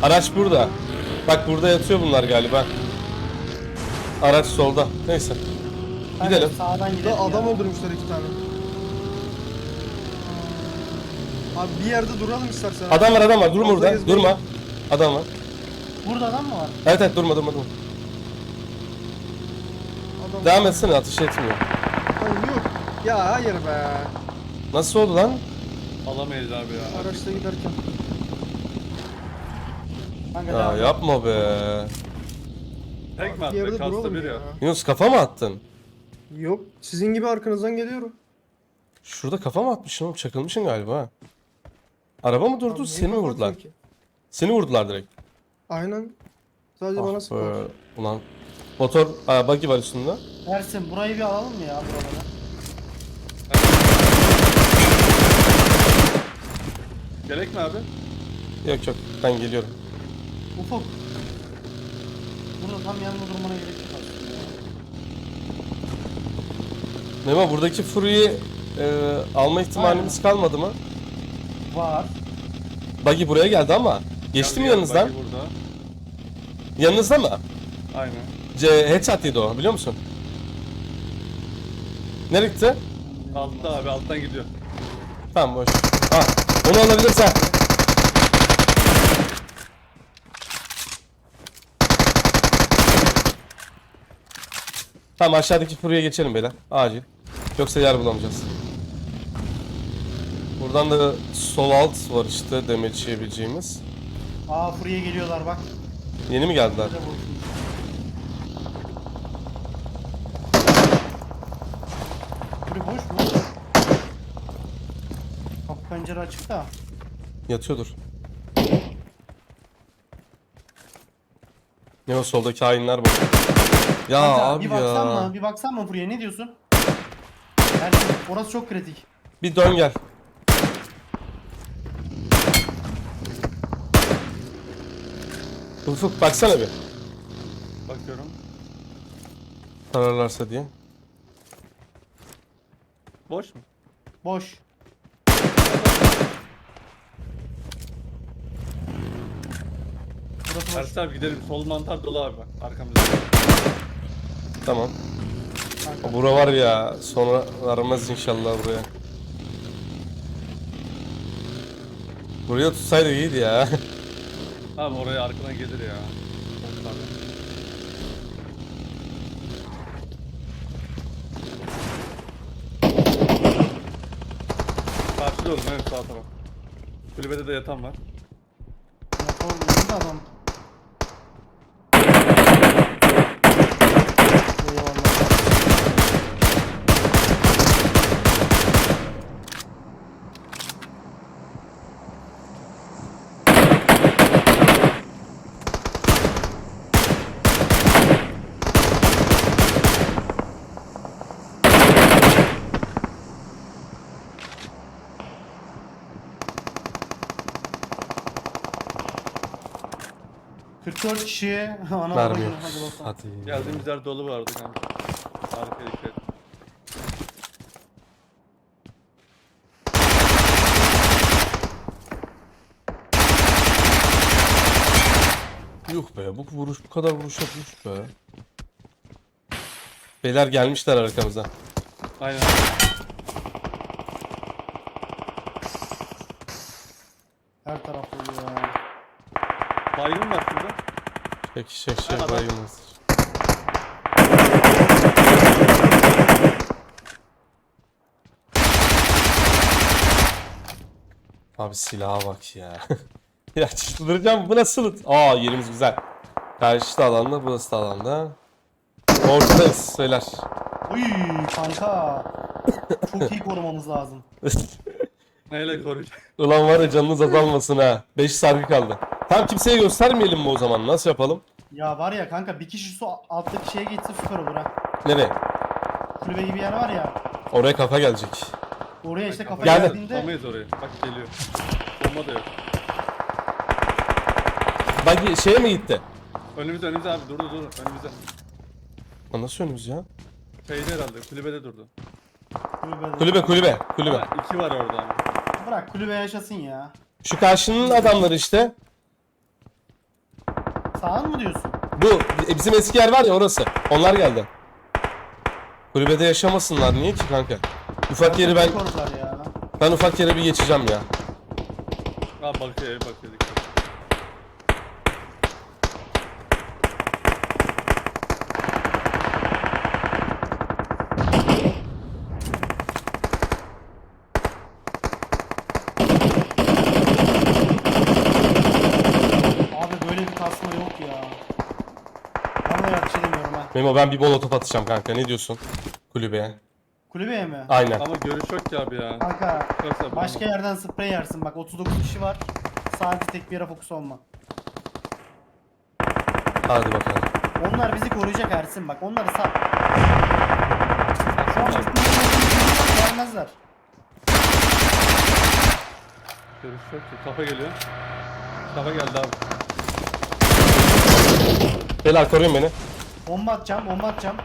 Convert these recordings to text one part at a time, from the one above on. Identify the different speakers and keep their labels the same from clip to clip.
Speaker 1: Araç burada. Bak burada yatıyor bunlar galiba. Araç solda. Neyse. Gidelim.
Speaker 2: Sağdan gidelim
Speaker 3: Burada adam
Speaker 2: ya.
Speaker 3: öldürmüşler 2 tane. Abi bir yerde duralım istersen.
Speaker 1: Adam var adam var. Durma
Speaker 3: Fazla
Speaker 1: burada.
Speaker 3: gezmeyin.
Speaker 1: Durma. Adam var.
Speaker 2: Burada adam mı var?
Speaker 1: Evet evet durma durma durma.
Speaker 3: Adam
Speaker 1: Devam etsene ateş etmiyor.
Speaker 3: Ay yok. Ya hayır be.
Speaker 1: Nasıl oldu lan?
Speaker 4: Alamayız abi ya.
Speaker 3: Araçla giderken.
Speaker 2: Kanka
Speaker 1: Ya
Speaker 2: devam.
Speaker 1: yapma be.
Speaker 4: Tek mi
Speaker 3: Bir yerde
Speaker 4: attı? Kasta
Speaker 3: duralım
Speaker 4: bir
Speaker 3: ya.
Speaker 4: ya.
Speaker 1: Yunus kafa mı attın?
Speaker 3: Yok. Sizin gibi arkanızdan geliyorum.
Speaker 1: Şurada kafa mı atmışsın oğlum? Çakılmışsın galiba ha. Araba mı durdu?
Speaker 3: Abi
Speaker 1: Seni mi
Speaker 3: niye
Speaker 1: vurdular?
Speaker 3: kapatıyorsun ki?
Speaker 1: Seni vurdular direkt.
Speaker 3: Aynen. Sadece bana
Speaker 1: Ah
Speaker 3: sıkıyor.
Speaker 1: be. Ulan. Motor, buggy var üstünde.
Speaker 2: Ersin burayı bir alalım mı ya buraları?
Speaker 4: Gerek mi abi?
Speaker 1: Yok yok ben geliyorum.
Speaker 2: Ufuk. Burada tam yanında durmana gerek yok aslında ya.
Speaker 1: Memo buradaki Fury'yi alma ihtimalimiz kalmadı mı?
Speaker 2: Var.
Speaker 1: Buggy buraya geldi ama. Geçti mi
Speaker 4: Geldi,
Speaker 1: yanınızdan?
Speaker 4: buggy Burada.
Speaker 1: Yanınızda mı?
Speaker 4: Aynen.
Speaker 1: Headshot yedi o biliyor musun? Nereye gitti?
Speaker 4: Altta abi alttan gidiyor.
Speaker 1: Tamam boş. Ah onu alabilirsen. Tamam aşağıdaki Fury'ye geçelim beyler. Acil. Yoksa yer bulamayacağız. Buradan da sol alt var işte damage yiyebileceğimiz.
Speaker 2: Aa Furya geliyorlar bak.
Speaker 1: Yeni mi geldiler?
Speaker 2: Burada vursun. Furya boş mu? Kapı pencere açık da.
Speaker 1: Yatıyordur. Ne o soldaki hainler bak. Ya
Speaker 2: Kanka,
Speaker 1: abi
Speaker 2: bir baksan
Speaker 1: ya.
Speaker 2: mı? Bir baksan mı Furya ne diyorsun? Ersin orası çok kritik.
Speaker 1: Bir dön gel. Ufuk baksana bir.
Speaker 4: Bakıyorum.
Speaker 1: Sararlarsa diye.
Speaker 4: Boş mu?
Speaker 2: Boş. Burası boş.
Speaker 4: Ersin abi gidelim. Sol mantar dolu abi bak. Arkamızda.
Speaker 1: Tamam.
Speaker 2: Kanka.
Speaker 1: Bura var ya sonra aramaz inşallah buraya. Buraya tutsaydı iyiydi ya.
Speaker 4: Abi oraya arkadan gelir ya. Çok tabii. Karşıda oğlum evet sağ taraf. Kulübede de yatan var.
Speaker 2: Motor nerede adam? Eyvallah. ...44 kişi... Ana
Speaker 1: Mermi yok.
Speaker 2: hadi bakalım.
Speaker 1: Hadi.
Speaker 4: Geldiğimiz yer dolu vardı kanka. Arkaya dikkat et.
Speaker 1: Yuh be bu vuruş bu kadar vuruş yapmış be. Beyler gelmişler arkamıza.
Speaker 4: Aynen.
Speaker 2: Her taraf oluyor ya.
Speaker 4: Baygın var şurada.
Speaker 1: Çek
Speaker 4: Adam.
Speaker 1: bayılmaz. Abi silaha bak ya. Ya çıldıracağım bu nasıl? Aa yerimiz güzel. Karşı da alanda burası da alanda. Ortadayız beyler.
Speaker 2: Uy kanka. Çok iyi korumamız lazım.
Speaker 4: Neyle koruyacak?
Speaker 1: Ulan var ya canınız azalmasın ha. 5 sargı kaldı. Tam kimseye göstermeyelim mi o zaman? Nasıl yapalım?
Speaker 2: Ya var ya kanka bir kişi su alttaki şeye geçse süper olur ha.
Speaker 1: Nereye?
Speaker 2: Kulübe gibi yer var ya.
Speaker 1: Oraya kafa gelecek.
Speaker 2: Oraya işte kafa
Speaker 1: Geldi.
Speaker 2: geldiğinde
Speaker 4: Tutamayız oraya. Bak geliyor. Bomba da yok.
Speaker 1: Bak şeye mi gitti?
Speaker 4: Önümüzde abi durdu önümüzde.
Speaker 1: Lan nasıl önümüz ya?
Speaker 4: Şeyde herhalde kulübede durdu.
Speaker 1: Kulübe.
Speaker 4: Ha, iki var orada ama.
Speaker 2: Bırak kulübe yaşasın ya.
Speaker 1: Şu karşının adamları işte.
Speaker 2: Sağın mı diyorsun?
Speaker 1: Bu bizim eski yer var ya, orası. Onlar geldi. Kulübede yaşamasınlar. Niye ki kanka? Ufak yeri ben
Speaker 2: Korular ya.
Speaker 1: ufak yere bir geçeceğim ya.
Speaker 4: Abi bakıyor bakıyor.
Speaker 2: Abi böyle bir kasma yok ya. Vallahi yakış edemiyorum ha.
Speaker 1: Memo, ben bir molotof atacağım kanka. Ne diyorsun? Kulübeye.
Speaker 2: Kulübeye mi?
Speaker 1: Aynen.
Speaker 4: Ama görüş yok ki abi ya.
Speaker 2: Kanka
Speaker 4: Yoksa
Speaker 2: başka yerden sprey yersin. Bak 39 kişi var. Sadece tek bir yere fokus olma.
Speaker 1: Hadi bakalım.
Speaker 2: Onlar bizi koruyacak Ersin bak. Onları sal. Gelmezler.
Speaker 4: görüş yok ki. Kafa geliyor. Kafa geldi abi.
Speaker 1: Beyler koruyun beni.
Speaker 2: Bomba atacağım, bomba atacağım.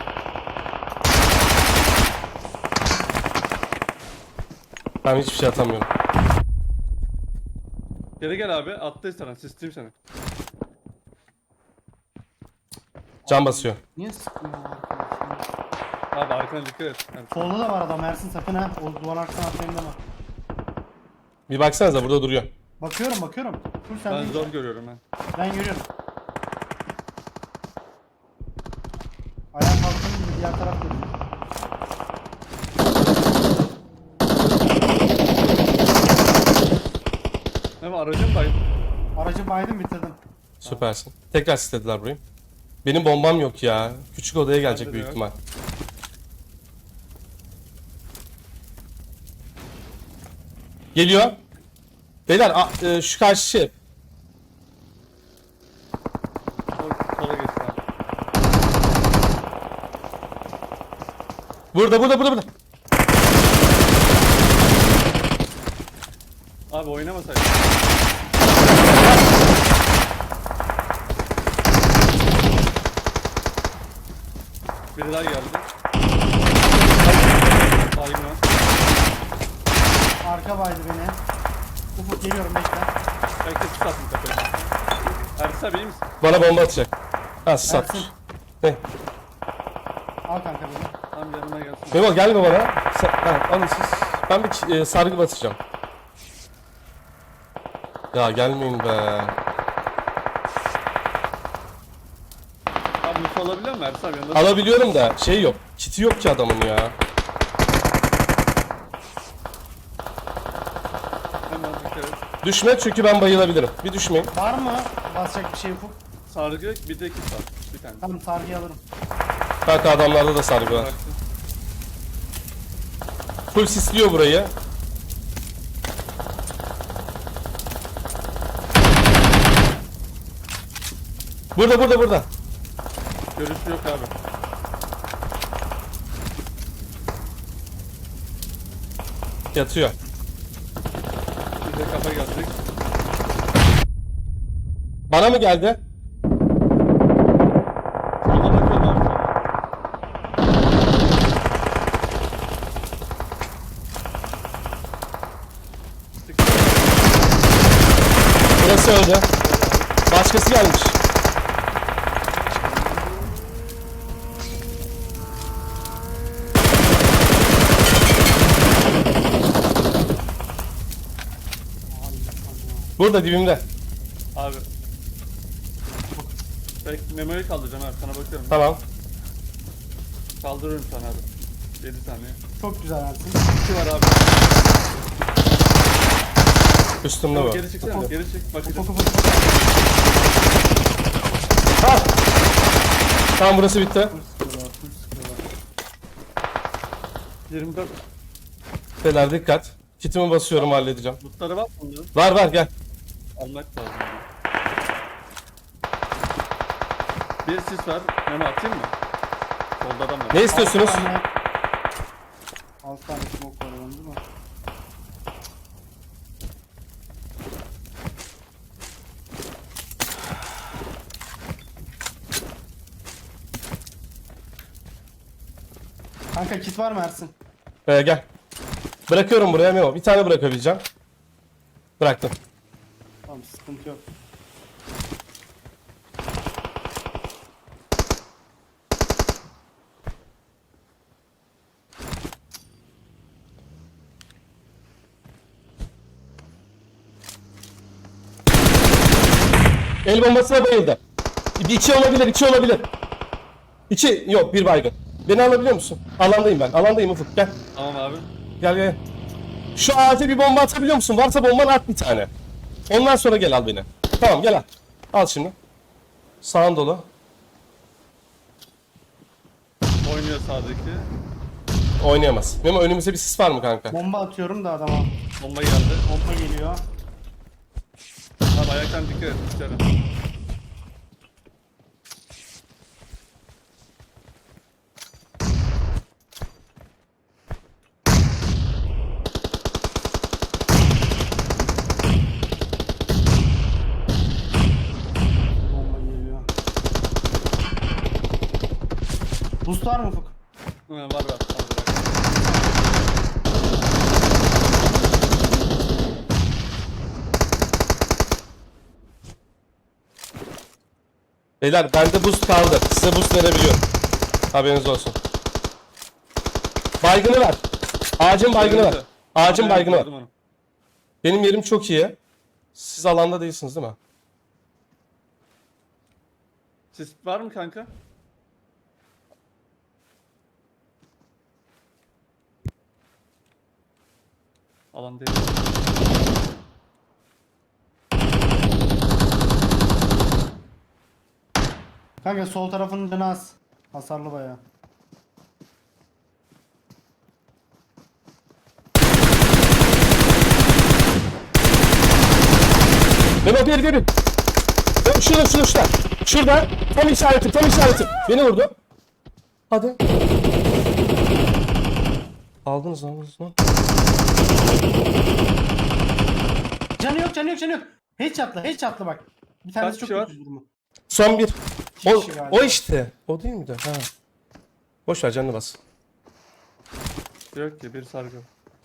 Speaker 1: Ben hiçbir şey atamıyorum.
Speaker 4: Geri gel abi. Attı sana. Sisteyim seni.
Speaker 1: Can basıyor.
Speaker 2: Niye sıkmıyor arkadaşlar?
Speaker 4: Abi arkana dikkat et. Yani
Speaker 2: Solda da var adam Ersin sakın ha. O duvar arkasına atlayayım deme.
Speaker 1: Bir baksanıza, burada duruyor.
Speaker 2: Bakıyorum. Dur sen
Speaker 4: ben
Speaker 2: değil.
Speaker 4: zor görüyorum ben.
Speaker 2: Ben görüyorum. Ayağa kalktığım gibi diğer taraf görüyor.
Speaker 4: Ama aracım bayım.
Speaker 2: Aracı baydım bitirdim.
Speaker 1: Süpersin. Tekrar istediler burayı. Benim bombam yok ya. Küçük odaya gelecek
Speaker 4: Bende de
Speaker 1: büyük
Speaker 4: yok.
Speaker 1: ihtimal. Geliyor. Beyler şu karşı şey.
Speaker 4: Sola geçti abi.
Speaker 1: Burada.
Speaker 4: Abi oynamasaydın. Biri daha geldi. Baygın var.
Speaker 2: Arka baydı beni. Ufuk geliyorum bekle.
Speaker 4: Belki sis attım tepeye. Ersin abi iyi misin?
Speaker 1: Bana bomba atacak. Ha, sis atmış.
Speaker 2: Ersin.
Speaker 1: Ne?
Speaker 2: Al kanka beni.
Speaker 4: Tam yanıma gelsin.
Speaker 1: Memo gelme bana. Alın siz. Ben bir sargı batacağım. Ya gelmeyin be.
Speaker 4: Abi mutlu olabiliyor mu Ersin abi yanında?
Speaker 1: Alabiliyorum da şey yok. Kiti yok ki adamın ya.
Speaker 4: Hemen dikkat et.
Speaker 1: Düşme çünkü ben bayılabilirim. Bir düşmeyin.
Speaker 2: Var mı basacak bir şey Ufuk?
Speaker 4: Sargı bir de kit var. Bir tane.
Speaker 2: Tamam sargıyı alırım.
Speaker 1: Kanka adamlarda da sargı var.
Speaker 4: Bıraktım.
Speaker 1: Full sisliyor burayı. Burada.
Speaker 4: Görüşü yok abi.
Speaker 1: Yatıyor.
Speaker 4: Bir de kafa gelecek.
Speaker 1: Bana mı geldi?
Speaker 4: Sola bakıyorum abi.
Speaker 1: Burası öldü. Başkası gelmiş. Burada dibimde.
Speaker 4: Abi. Memo'yu kaldıracağım abi sana bakıyorum.
Speaker 1: Tamam.
Speaker 4: Kaldırıyorum sana abi. 7 saniye.
Speaker 2: Çok güzel Ersin.
Speaker 4: 2 var abi.
Speaker 1: Üstümde bu.
Speaker 4: Geri çıksana. Geri çık. Bakacağım.
Speaker 2: Ufuk ufuk ufuk.
Speaker 1: Ha! Tamam, burası bitti.
Speaker 2: Full sıkıyorlar.
Speaker 4: 24.
Speaker 1: Beyler dikkat. Kitimi basıyorum, halledeceğim.
Speaker 4: Lootları var mı bunların?
Speaker 1: Var gel.
Speaker 4: Almak lazım. Bir sis var. Memo atayım mı? Solda adam var.
Speaker 1: Ne istiyorsunuz?
Speaker 2: 6 tane smoke var onun değil mi? Kanka kit var mı Ersin?
Speaker 1: Gel. Bırakıyorum buraya Memo. Bir tane bırakabileceğim. Bıraktım.
Speaker 2: Tamam sıkıntı yok.
Speaker 1: El bombasına bayıldı. 2 olabilir, 2 olabilir. 2 yok, bir baygın. Beni alabiliyor musun? Alandayım ben. Alandayım Ufuk. Gel.
Speaker 4: Tamam abi.
Speaker 1: Gel gel. Şu ağaca bir bomba atabiliyor musun? Varsa bomban at bir tane. Ondan sonra gel al beni. Tamam gel al. Al şimdi. Sağın dolu.
Speaker 4: Oynuyor sağdaki.
Speaker 1: Oynayamaz. Memo önümüzde bir sis var mı kanka?
Speaker 2: Bomba atıyorum da adama.
Speaker 4: Bomba geldi.
Speaker 2: Bomba geliyor.
Speaker 4: Abi ayaktan dikkat et dışarı.
Speaker 2: Bomba geliyor. Boost var mı Ufuk?
Speaker 4: Var var. Tamam, bırak.
Speaker 1: Beyler bende boost kaldı. Size boost verebiliyorum. Haberiniz olsun. Baygını ver. Ağacın baygını ver. Ağacın baygını ver.
Speaker 4: Gördüm onu.
Speaker 1: Benim yerim çok iyi. Siz alanda değilsiniz değil mi?
Speaker 4: Sis var mı kanka? Alan değil.
Speaker 2: Kanka sol tarafının canı az. Hasarlı bayağı.
Speaker 1: Memo bir. Memo, şurada. Şurada. Tam işaretim. Beni vurdu. Hadi. Aldınız lan.
Speaker 2: Canı yok. Headshot'la bak. Bir tanesi
Speaker 4: Kaç
Speaker 2: çok
Speaker 4: kişi var?
Speaker 2: kötü durumu.
Speaker 1: Son bir.
Speaker 2: İki
Speaker 1: O,
Speaker 2: kişi galiba.
Speaker 1: o işte. O değil miydi? Ha. Boş ver canını bas.
Speaker 4: Yok ki bir sargı.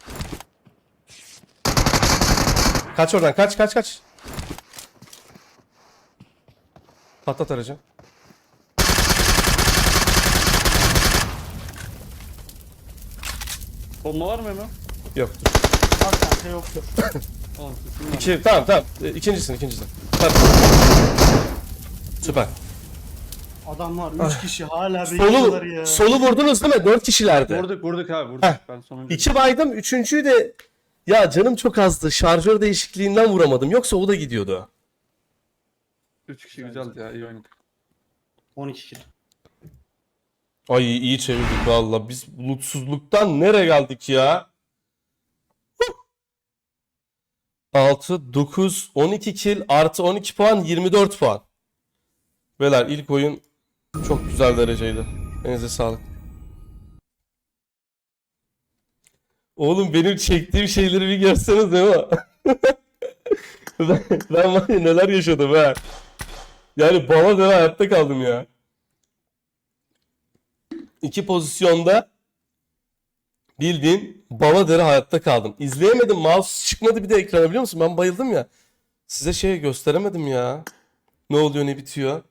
Speaker 1: Kaç oradan kaç. Patlat aracı.
Speaker 4: Bomba var mı hemen?
Speaker 1: Yok.
Speaker 2: Bak kanka yok.
Speaker 4: Tamam sesim var.
Speaker 1: Tamam. İkincisin. Tamam. Süper.
Speaker 2: Adamlar 3 kişi hala bekliyorlar ya.
Speaker 1: Solu vurdunuz değil mi? 4 kişilerdi.
Speaker 4: Vurduk abi vurduk.
Speaker 1: Heh.
Speaker 4: Ben sonuncu.
Speaker 1: 2 baydım. Üçüncüyü de ya canım çok azdı. Şarjör değişikliğinden vuramadım. Yoksa o da gidiyordu.
Speaker 4: 3 kişi güzeldi ya iyi oynadık.
Speaker 2: 12 kill.
Speaker 1: Ay iyi çevirdik valla. Biz bulutsuzluktan nereye geldik ya? 6, 9, 12 kill artı 12 puan 24 puan. Beyler ilk oyun çok güzel dereceydi. Elinize sağlık. Oğlum benim çektiğim şeyleri bir görseniz değil mi? ben var ya neler yaşadım ha. Yani bana da hayatta kaldım ya. 2 pozisyonda bildiğin Baladere hayatta kaldım. İzleyemedim. Mouse çıkmadı bir de ekrana biliyor musun? Ben bayıldım ya. Size şey gösteremedim ya. Ne oluyor ne bitiyor.